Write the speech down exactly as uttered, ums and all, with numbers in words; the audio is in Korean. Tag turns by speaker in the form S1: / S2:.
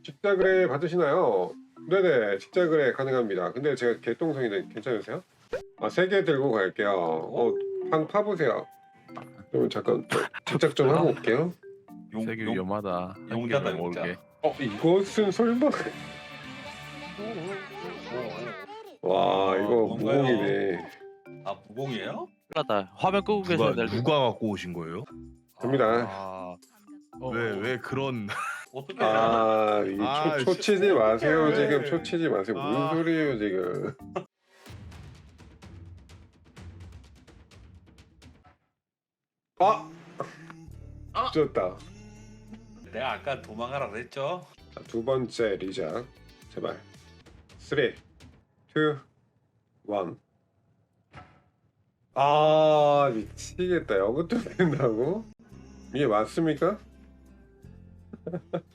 S1: 직자 거래 받으시나요? 네네, 직자 거래 가능합니다. 근데 제가 개똥성인데 괜찮으세요? 아, 세 개 들고 갈게요. 어, 판 파보세요. 그럼 잠깐 저 집착 좀 하고 올게요.
S2: 용,
S3: 세계
S2: 용,
S3: 위험하다. 한
S2: 용자다,
S3: 개만
S2: 용자.
S3: 모르게.
S1: 어, 이것은 설마? 와, 이거
S2: 뭔가요?
S1: 무공이네.
S2: 아, 무공이에요?
S3: 하다 화면 끄고
S4: 누가
S3: 계셔야 될
S4: 누가 갖고 오신 거예요?
S1: 됩니다.
S4: 아,
S3: 어,
S4: 왜 왜 그런
S2: 어떻게 해야
S1: 아, 이
S4: 아,
S1: 초, 초치지 마세요.
S4: 왜?
S1: 지금 초치지 마세요. 무슨
S4: 아.
S1: 소리예요, 지금? 아!
S3: 아!
S1: 졌다.
S2: 내가 아까 도망가라 그랬죠?
S1: 자, 두 번째 리작. 제발. 쓰리, 투, 원. 아, 미치겠다. 이것도 된다고? 이게 맞습니까?